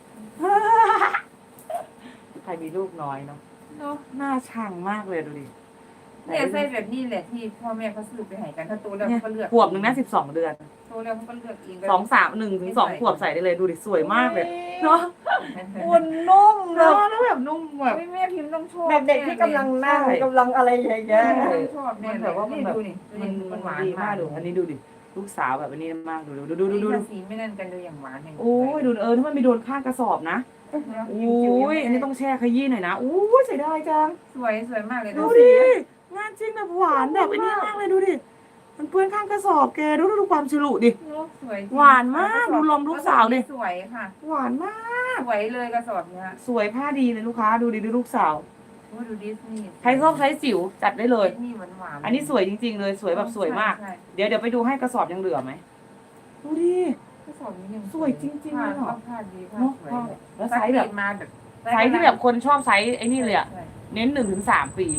Speaker 2: ใครมีลูกน้อยเนาะ
Speaker 1: เนาะ
Speaker 2: น่าชังมากเลยดูดิ
Speaker 1: เนี่ยใส่แบบนี้แหละที่พ่อแม่เขาซื้อไปให้กันถ้าโตแล้ว
Speaker 2: เนี่ย
Speaker 1: เขาก็เลือก
Speaker 2: ขวบหนึ่งนะ12 เดือน
Speaker 1: โตแล้วเขาก็เลือกเอง
Speaker 2: 1-2 ขวบใส่ได้เลยดูดิสวยมากเลยเนาะ
Speaker 3: อุ่นนุ่มแบ
Speaker 2: เนาะ
Speaker 3: บ
Speaker 2: แล้วแบบนุ่มแบบ
Speaker 1: แม่พิมพ์ต้องชอบ
Speaker 3: แบบเด็กที่กำลังนั่ง
Speaker 2: ใช่
Speaker 3: กำลังอะไรอย่างเงี้ย
Speaker 1: ต้องชอบแน่
Speaker 2: มัน
Speaker 1: เล
Speaker 2: แบ
Speaker 1: ย
Speaker 2: บว่ามันแบบ
Speaker 1: ดูนี่
Speaker 2: มัน
Speaker 1: หวาน
Speaker 2: ดี
Speaker 1: มาม
Speaker 2: าก กดูอันนี้ดูดิลูกสาวแบบอันนี้มากดู
Speaker 1: สีไม่นั่นกันเลยอย่างหวานอย่าง
Speaker 2: โอ้ยดูถ้ามันมีโดนข้างกระสอบนะโอ้ยอันนี้ต้องแช่ขยี้หน่อยนะโอ้ยเสียดายจัง
Speaker 1: สวยมากเลย
Speaker 2: ดูดิงานจริงแบบหวานแบบไอ้นี่มากเลยดูดิมันเปื้อนข้างกระสอบแกดูความฉลุดิ
Speaker 1: สวย
Speaker 2: หวานมากดูลมลูกสาวดิ
Speaker 1: สวยค่ะ
Speaker 2: หวานมาก
Speaker 1: สวยเลยกระสอบเนี้ย
Speaker 2: สวยผ้าดีเลยลูกค้าดูดิดูลูกสาว
Speaker 1: โอ้ดูดิสนีย์
Speaker 2: ใครชอบใช้จิ๋วจัดได้เลย
Speaker 1: ดิสนีย์หวานๆ
Speaker 2: อันนี้สวยจริงๆเลยสวยแบบสวยมาก
Speaker 1: ใช่
Speaker 2: เดี๋ยวไปดูให้กระสอบยังเหลือไหมดูดิ
Speaker 1: กระสอบนี้ยัง
Speaker 2: สวยจริงๆเลยเหรอ
Speaker 1: ผ้าดีผ้า
Speaker 2: เนาะ
Speaker 1: สวยเลย
Speaker 2: แล้วไซส์แบบ
Speaker 1: มาแบบ
Speaker 2: ไซส์ที่แบบคนชอบไซส์ไอ้นี่เลยอะ
Speaker 1: ใช่
Speaker 2: เน้น1-3 ปี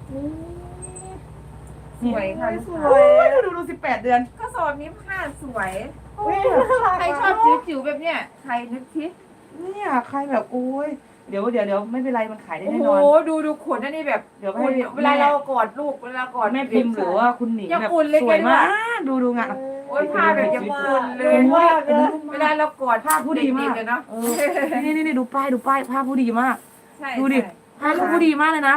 Speaker 1: สวยค่ะ
Speaker 3: ส
Speaker 1: ส
Speaker 3: ว
Speaker 1: วย
Speaker 3: ย
Speaker 2: ดู18 เดือน
Speaker 1: กระสอบนี้ผ้าสวย
Speaker 3: อุ๊ยน่ารัก
Speaker 1: ใครชอบจิ๋วๆแบบเนี้ยใครนึกทิ
Speaker 2: เนี่ยใครแบบโอ้ยเดี๋ยวไม่เป็นไรมันขายได้
Speaker 1: โอ้
Speaker 2: แน่
Speaker 1: โห
Speaker 2: นอน
Speaker 1: ดูขนอันนี้แบบ
Speaker 2: เดี๋ยวให้
Speaker 1: อุ่นเวลาเรากอดลูกเวลากอด
Speaker 2: แม่พิมพ์หรือว่าคุณหนิง
Speaker 1: ยัง
Speaker 2: แบบ
Speaker 1: อุ่นเลย
Speaker 2: สวย
Speaker 1: แกด้วย
Speaker 2: มากดูงาน
Speaker 1: โอ้ยผ้าแบบยังอุ่นเล
Speaker 3: เก่
Speaker 1: ย
Speaker 3: งมากเลย
Speaker 1: เวลาเรากอด
Speaker 2: ผ้าผู้ดีมาก
Speaker 1: เด็ๆเลยเนาะ
Speaker 2: นี่ดูป้ายผ้าผู้ดีมาก
Speaker 1: ใช่
Speaker 2: ดูดิ
Speaker 1: ใช่
Speaker 2: ผ้าลูกผู้ดีมากเลยนะแบบ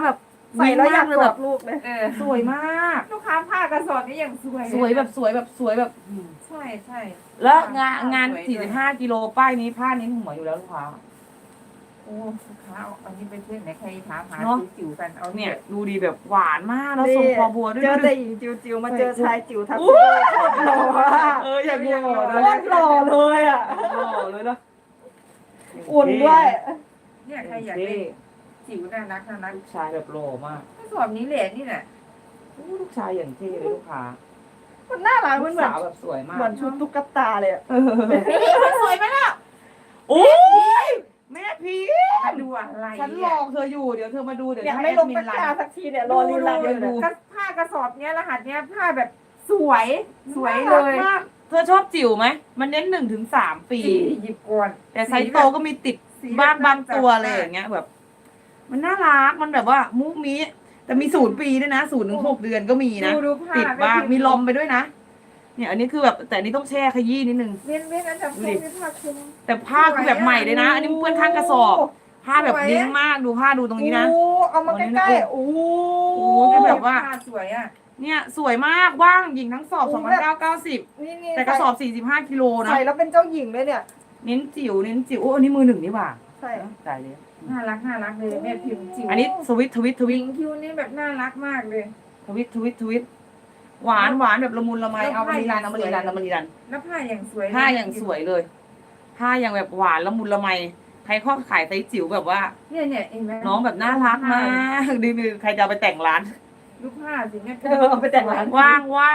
Speaker 3: ใส่แล้วอยากกอดลูกเลย
Speaker 2: สวยมาก
Speaker 1: ลูกค้าผ้ากระสอบนี่อย่างสวย
Speaker 2: สวยแบบสวยแบบสวยแบบ
Speaker 1: ใช่ใช่
Speaker 2: แล้วงาน45 กิโลป้ายนี้ผ้านี้หัวอยู่แล้วลูกค้า
Speaker 1: โอ้ลูกค้าเอาอันนี้ไปเพื่อนไหนใครถามหา
Speaker 2: เนอะ
Speaker 1: จิ๋วๆกันเอา
Speaker 2: เนี่
Speaker 1: เนี่ย ย
Speaker 2: ดูดีแบบหวานมากแล้วทรงคอบัวด้วย
Speaker 3: เจอ
Speaker 2: ดู
Speaker 3: แต่
Speaker 2: ดิ
Speaker 3: หญิงจิ๋วๆมาเจอชายจิ๋วทับโคตรหล่ออะ
Speaker 2: อยากดูหล่อ
Speaker 3: โค
Speaker 2: เลย
Speaker 3: ตรหล่อเลยอ่ะ
Speaker 2: หล่อเลยเนาะ
Speaker 3: อุ่นด้วย
Speaker 1: เนี่ยใครอยากได้จิ๋วน่ารักน่ารัก
Speaker 2: ลูกชายแบบหล่อมาก
Speaker 1: กระสอบนี้แหละนี่แหละ
Speaker 2: ลูกชายอย่างเท่เลยลูกค้า
Speaker 3: มันน่ารัก
Speaker 2: ลู
Speaker 3: มัน
Speaker 2: ก
Speaker 3: เหมือน
Speaker 2: สาวแบบสวยมาก
Speaker 3: เหมือนชุดตุ๊กตาเลยอะ
Speaker 1: นี่มันสวยไหมล่ะ
Speaker 2: โอ้ยแม่พี
Speaker 1: มาดูอะไร
Speaker 2: ฉันรอเธออยู่เดี๋ยวเธอมาดูเดี๋ยว
Speaker 3: เนี่ย
Speaker 2: ให้
Speaker 3: ไม่
Speaker 2: แอ
Speaker 3: ล
Speaker 2: ด
Speaker 3: ง
Speaker 2: มิ
Speaker 3: ตะ
Speaker 2: นไล
Speaker 3: กร้า
Speaker 2: น์
Speaker 3: สักทีเนี่ยรอลีลาอยู่
Speaker 2: ดู
Speaker 3: เนี่ย
Speaker 1: ผ้ากระสอบเนี้ยรหัสเนี้ยผ้าแบบสวยสวยเลย
Speaker 2: น่ารักมากเธอชอบจิ๋วไหมมันเน้น1 ถึง 3 ปี
Speaker 1: หยิบก่อน
Speaker 2: แต่ไซส์โตก็มีติดบ้างบางตัวอะไรอย่างเงี้ยแบบ มันน่ารักมันแบบว่ามุกมีแต่มี0 ปีด้วยนะ0 ถึง 6 เดือนก็มีนะ
Speaker 1: ดูผ้า
Speaker 2: ติดบ้างมีลมไปด้วยนะเนี่ยอันนี้คือแบบแต่อันนี้ต้องแช่ขยี้นิดนึง
Speaker 1: เว้นอันดับสองเป็นผ้าคลุม
Speaker 2: แต่ผ้าคือแบบใหม่เลยนะ อันนี้เพื่อนข้างกระสอบผ้าแบบดิ้งมากดูผ้าดูตรงนี้นะ
Speaker 3: โอ้เอามาใกล้ๆโอ้
Speaker 2: โอ้ยแบบว่า
Speaker 1: ผ้าสวยอ่ะ
Speaker 2: เนี่ยสวยมากว่างหญิงทั้งสอบ2,990
Speaker 3: นี่
Speaker 2: แต่กระสอบ45 กิโลนะ
Speaker 3: ใส่แล้วเป็นเจ้าหญิงเลยเนี่ย
Speaker 2: เน้นจิ๋วโอ้อันนี้มือ1นี่หว่า
Speaker 3: ใช่
Speaker 2: จ่ายเลย
Speaker 1: น่ารักเลยแม่พิมพ์จิ๋ว
Speaker 2: อันนี้สวิตทวิต
Speaker 1: หญิงคิวนี่แบบน่ารักมากเลย
Speaker 2: ทวิตหวานแบบละมุนละไมเอามารีรัน
Speaker 1: แล้วผ้าอย่างสวย
Speaker 2: ผ้าอย่างสวยเลยผ้าอย่างแบบหวานละมุนละไมใครข้อขายไซส์จิ๋วแบบว่า
Speaker 1: เนี่ยเห็นไหม
Speaker 2: น้องแบบน่ารักมากดีใครจะเอาไปแต่งร้าน
Speaker 1: ดูผ้าสิแม่
Speaker 3: เอาไปแต่งร้าน
Speaker 2: ว่าง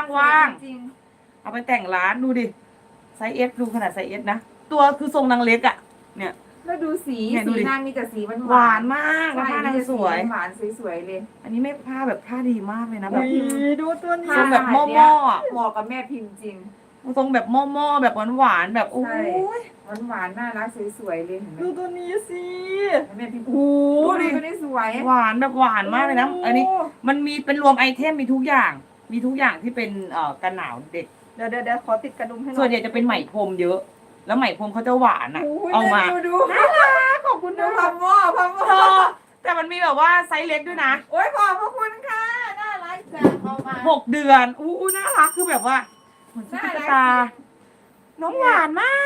Speaker 1: จริง
Speaker 2: เอาไปแต่งร้านดูดิไซส์เอสดูขนาดไซส์เอสนะตัวคือทรงนางเล็กอ่ะเนี่ย
Speaker 1: แล้วดูสี
Speaker 2: เนี่ยดูดิ
Speaker 1: นางมีแต่สีหวาน
Speaker 2: หวานมากแล้วผ้านางสวย
Speaker 1: หวานสวยเลย
Speaker 2: อันนี้ไม่ผ้าแบบผ้าดีมากเลยนะแบบ
Speaker 3: ดูตัวนี้
Speaker 2: ทรงแบบหม้ออ่ะ
Speaker 1: เหมาะกับแม่พิมพ์จริง
Speaker 2: ทรงแบบหม้อแบบหวานแบบโอ้
Speaker 1: ใช่
Speaker 2: ย
Speaker 1: หวานน่ารักสวยเลยเห็นไหม
Speaker 3: ดูตัวนี้สิ
Speaker 1: แม่พิมพ์
Speaker 3: โอ้
Speaker 1: โอ้
Speaker 3: ดิ
Speaker 1: ยตัวนี้สวย
Speaker 2: หวานแบบหวานมากเลยนะอันนี้มันมีเป็นรวมไอเทมมีทุกอย่างที่เป็นกันหนาวเด็ก
Speaker 3: เดี๋ยวขอติดกระดุมให้หน่อย
Speaker 2: ส่วนใหญ่จะเป็นไหมพรมเยอะ แล้วไหมพรมเขาจะหวานอ่ะ
Speaker 1: โย
Speaker 2: เอามา
Speaker 1: ดู
Speaker 2: ขอบคุณ
Speaker 1: ดู
Speaker 2: นะ
Speaker 1: พัมหม้อ
Speaker 2: เธอแต่มันมีแบบว่าไซส์เล็กด้วยนะ
Speaker 1: โอ้ยขอบพระคุณค่ะน่ารักจังเอามา
Speaker 2: 6 เดือนอู้น่ารักคือแบบว่าเหมือนตุ๊กตาน้องหวานมาก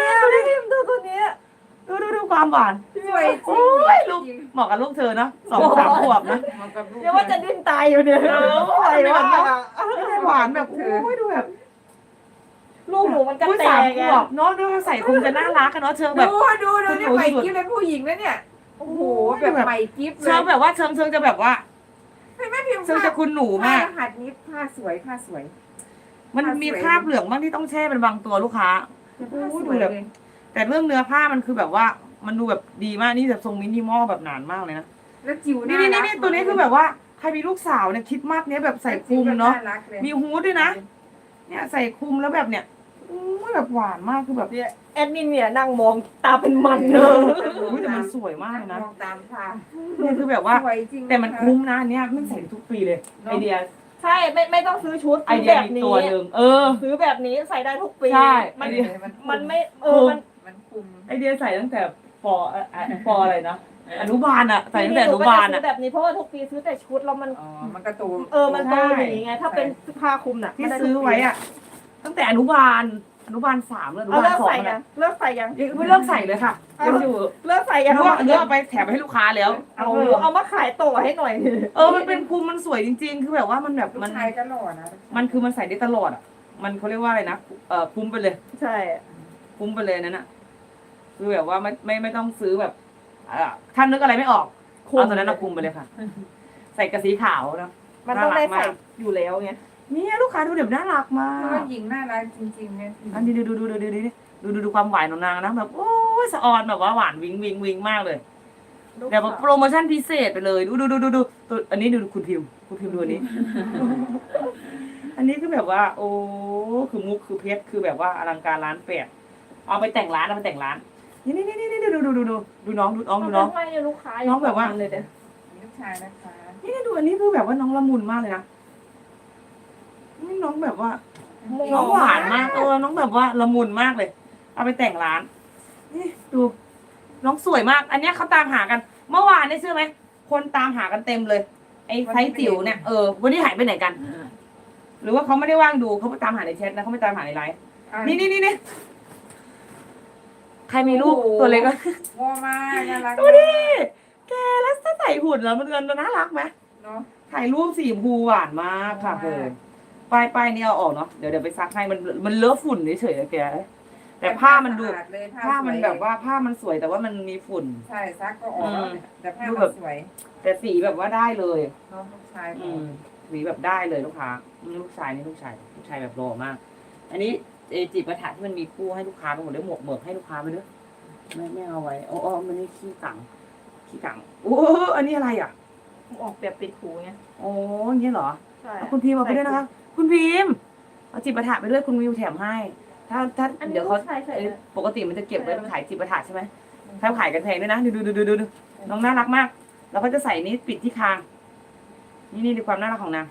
Speaker 3: ดูดิดูตัวนี้
Speaker 2: ดูความหวาน
Speaker 1: สวยจริ
Speaker 2: โอ้ย
Speaker 1: ง
Speaker 2: ลูกเหมาะกับลูกเธอเนาะ2-3 ขวบนะ
Speaker 1: เหมาะกับลูก
Speaker 3: เดี๋ยวว่าจะดิ้นตายอยู่เนี่ย
Speaker 2: เออ
Speaker 3: ใส่ว่า
Speaker 2: ไม่ได้หวานแบบโอ้ยดูแบบ
Speaker 3: ลูกหนูมันกระ
Speaker 2: อุ้ย
Speaker 3: แต
Speaker 2: 3
Speaker 3: ก
Speaker 2: ข
Speaker 3: ไง
Speaker 2: วบเนาะดูใส่คงจะน่ารักกันเนาะเชิงแบบ
Speaker 1: ดูนี่ใหม่กิ๊บเป็นผู้หญิงแล้วเนี่ยโอ้โหแบบใหม่กิ๊บเล
Speaker 2: เชิ
Speaker 1: ย
Speaker 2: งแบบว่าเชิงจะแบบว่า
Speaker 1: ให้แม่พิมพ์
Speaker 2: เชิงจะคุณหนู
Speaker 1: ผ้าม
Speaker 2: าก
Speaker 1: รหัสนี้ผ้าสวย
Speaker 2: มันมีคราบเหลืองบ้างที่ต้องแช่เป็นบางตัวลูกค้า
Speaker 1: ผ้าสวยเลย
Speaker 2: แต่เรื่องเนื้อผ้ามันคือแบบว่ามันดูแบบดีมากนี่แบบทรงมินิมอลแบบหนานมากเลยนะ
Speaker 1: แล้วจิ๋ว
Speaker 2: นี่ตัวนี้คือแบบว่าใครมีลูกสาวเนี่ยคริดมากเนี้ยแบบใส่คลุมเนาะมีฮูดด้วยนะเนี่ยใส่คลุมแล้วแบบเนี่ยอู้แบบหวานมากคือแบบ
Speaker 3: เนี่ยแอดมินเนี่ยนั่งมองตาเป็นมันเล
Speaker 2: อู้แต่มันสวยมากเลยนะ
Speaker 1: มองตามค่ะ
Speaker 2: เนี่ยคือแบบว่า
Speaker 1: สวยจริง
Speaker 2: แต่มันคุ้มนะอันเนี่ยมันใส่ทุกปีเลยไอเดีย
Speaker 3: ใช่ไม่ต้องซื้อชุด
Speaker 2: ไอ
Speaker 3: ซื้อ
Speaker 2: เดีย
Speaker 3: แบบ
Speaker 2: มี
Speaker 3: นี้
Speaker 2: ตัวหนึ่ง
Speaker 3: ซื้อแบบนี้ใส่ได้ทุกปี
Speaker 2: ใช่
Speaker 3: มัน
Speaker 2: ไอเดีย
Speaker 3: มันไม่มัน
Speaker 1: มันคุม
Speaker 2: ไอเดียใส่ตั้งแต่ปอะไรนะอนุบาลอะใส่ตั้งแต่อนุบาล
Speaker 3: ซื้
Speaker 2: อะ
Speaker 3: อแบบนี้เพราะว่าทุกปีซื้อแต่ชุดแล้วมัน
Speaker 1: อ๋อมันกระตูม
Speaker 3: มันโตอย่างไง ถ้าเป็นผ้าคลุมน่ะ
Speaker 2: ที่ซื้อไว้อะตั้งแต่อนุบาล3เลยอนุ
Speaker 3: เอา
Speaker 2: บาล
Speaker 3: เลิก
Speaker 2: 2
Speaker 3: ใส่
Speaker 2: เล
Speaker 3: ยั
Speaker 2: ย
Speaker 3: งเลิกใส่ยัง
Speaker 2: ยังไม่เลิกใส่เลยค่ะยังอยู่
Speaker 3: เลิกใส่ยัง
Speaker 2: เลือกเอาไปแถมให้ลูกค้าแล้ว
Speaker 3: เอามาขายต่อให้หน่อย
Speaker 2: มันเป็นคลุมมันสวยจริงๆ คือแบบว่ามันแบบ
Speaker 1: ลูก
Speaker 2: มัน
Speaker 1: ชายก็หล่อนะ
Speaker 2: มันคือมันใส่ได้ตลอดอ่ะ มันเขาเรียกว่าอะไรนะคุ้มไปเลย
Speaker 3: ใช่
Speaker 2: คุ้มไปเลยนั่นน่ะคือแบบว่าไม่ต้องซื้อแบบท่านนึกอะไรไม่ออกเอาตัวนั้นนะคุ้มไปเลยค่ะ ใส่กระสีขาวนะ
Speaker 3: มันต้องได้ใส่
Speaker 2: น่ารักมาก
Speaker 3: อยู่แล้วไง
Speaker 2: เนี่ยลูกค้าดูเดี๋ยวน่ารักมา
Speaker 1: เพราะว่าก หญิงน่ารักจริงๆเนี่ย
Speaker 2: อันนี้ดูความหวานของนางนะแบบโอ้ยสะออนแบบว่าหวานวิงมากเลยแบบว่าโปรโมชั่นพิเศษไปเลยดูตัวอันนี้ดูคุณพิมดูอันนี้ อันนี้คือแบบว่า โอ้คือมุกคือเพชรคือแบบว่าอลังการร้านแปดเอาไปแต่งร้านนี่ดูน้อง
Speaker 3: ไม่ลูกค้า
Speaker 2: น้องแบบว่า
Speaker 3: เลยเด้อ
Speaker 1: ลูกชายนะคะ
Speaker 2: นี่ดูอันนี้คือแบบว่าน้องละมุนมากเลยนะนี่น้องแบบว่า น้องหวานมากน้องแบบว่าละมุนมากเลย เอาไปแต่งร้านนี่ดูน้องสวยมาก อันเนี้ยเขาตามหากัน เมื่อวานได้เชื่อไหมคนตามหากันเต็มเลยไอ้ไซส์จิ๋วเนี่ยวันนี้หายไปไหนกัน หรือว่าเขาไม่ได้ว่างดูเขาไปตามหาในแชทนะเขาไม่ตามหาในไลน์นี่ใครมีลูกตัวเล็กก็
Speaker 1: งอมากน่ารัก
Speaker 2: ดูดิแกแล้วถ้าใส่หุ่นแล้วมันน่ารักไหม
Speaker 1: เนาะ
Speaker 2: ถ่ายรูปสีชมพูหวานมากค่ะเกินป้ายนี่เอาออกเนาะเดี๋ยวไปซักให้มันเลอะฝุ่นเฉยๆแกแต่ผ้ามันดู ผ้ามันแบบว่าผ้ามันสวยแต่ว่ามันมีฝุ่น
Speaker 1: ใช่ซักก็ออกแล้วเนี่ยแต่ผ้ามันสวย
Speaker 2: แต่สีแบบว่าได้เลย
Speaker 1: เนาะลูกชายข
Speaker 2: อื
Speaker 1: อง
Speaker 2: มสีแบบได้เลยลูกค้านี่ลูกชายแบบหล่อมาก อันนี้จิปาถะที่มันมีคู่ให้ลูกค้าไปหมดเลยหมวกเหมือกให้ลูกค้าไปด้วยไม่เอาไว้อ๋อมันนี่ขี้กังโอ้อันนี้อะไรอ่ะ
Speaker 3: ออกแบบปิดหูไง
Speaker 2: โอ้อย่างนี้เหรอ
Speaker 3: ใช่
Speaker 2: เอาคุณพิมพ์เอาไปด้วยนะคะ คุณพิมพ์เอาจิปาถะไปด้วยคุณวิวแถมให้ ถ้าเดี๋ยวเขาปกติมันจะเก็บไว้ขายจิปาถะใช่ไหมถ้าขายกันแพงด้วยนะดูน้องน่ารักมากแล้วก็จะใส่นี้ปิดที่คางนี่ดูความน่ารักของนาง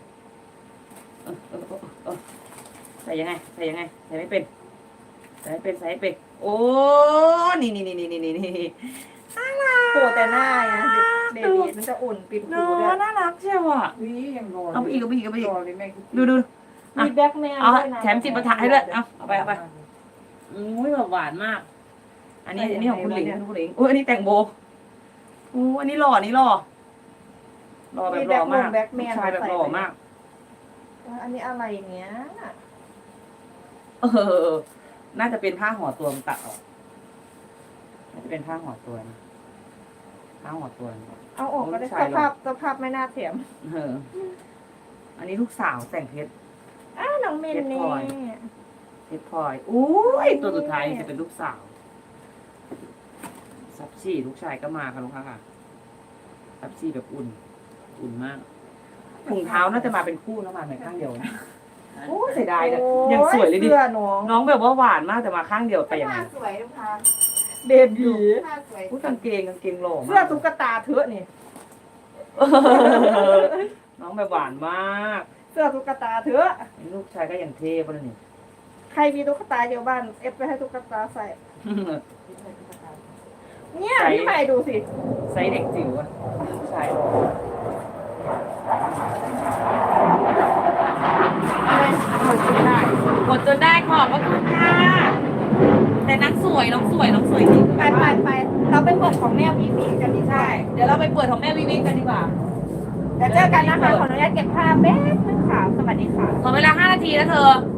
Speaker 2: ใส่ยังไงใส่ไม่เป็นใส่ให้เป็นโอ้นี่
Speaker 3: โผล่แต่หน้าไงเบบีมันจะอุ่นปิดหู
Speaker 2: น้อ
Speaker 3: ด้วย
Speaker 2: น่ารักเชียวอ่ะ
Speaker 1: วิยังรอ
Speaker 2: เอาไปอีก
Speaker 1: รอเลยแม่
Speaker 2: ดู
Speaker 3: มีแบ็คแมน
Speaker 2: เอา
Speaker 3: ด้วยนะ
Speaker 2: แถมจิปาถะให้ด้วยเอาไปอุ้ยแบบหวานมาก อันนี้ของคุณหลิงอุ้ยอันนี้แต่งโบอันนี้หล่อแบบหล่อมากชายแบบหล่อมาก
Speaker 3: อันนี้อะไรอย่างเงี้ย
Speaker 2: น่าจะเป็นผ้าห่อตัวมันตัดออกน่าจะเป็นผ้าห่อตัวนะผ้าห่อตัว
Speaker 3: เอาออกก็ได้สภาพไม่น่าเถียม
Speaker 2: อันนี้ลูกสาวแต่งเพชร
Speaker 3: น้องเมนนี่
Speaker 2: เพชรพลอยอุ้ยตัวสุดท้ายจะเป็นลูกสาวซับชี่ลูกชายก็มาค่ะลูกค้าค่ะซับชี่แบบอุ่นมากถุงเท้าน่าจะมาเป็นคู่นะมาหน่อยข้างเดียวนะโอ้เสียดายเลยยังสวยเลยดิ น้องแบบว่าหวานมากแต่มาข้างเดียวไปยังไง
Speaker 1: ผ้าสวยลูกค้า
Speaker 3: เบบี
Speaker 1: ผ้าสวย
Speaker 2: กางเกงหล่อมาก
Speaker 3: เสื้อตุ๊กตาเถอะนี่
Speaker 2: น้องแบบหวานมาก
Speaker 3: เสื้อตุ๊กตาเถอะ
Speaker 2: ลูกชายก็อย่างเท่ป่ะนี่
Speaker 3: ใครมีตุ๊กตาอยู่บ้านเอฟไปให้ตุ๊กตาใส่ เนี่ยพี่ใหม่ดูสิ
Speaker 2: ไซส์เด็กจิ๋วอะลูกชายกดจนได้ขอบพระคุณค่ะแต่น้องสวยจริง
Speaker 3: ไปเราไปเปิดของแม่วีวีกันดีกว่า
Speaker 2: ใช่เดี๋ยวเราไปเปิดของแม่วิวิกันดีกว่า
Speaker 3: เดี๋ยวเจอกันนะคะขออนุญาตเก็บภาพแป๊บนึงค่ะสวัสดีค่ะ
Speaker 2: ขอเวลา5 นาทีนะเธอ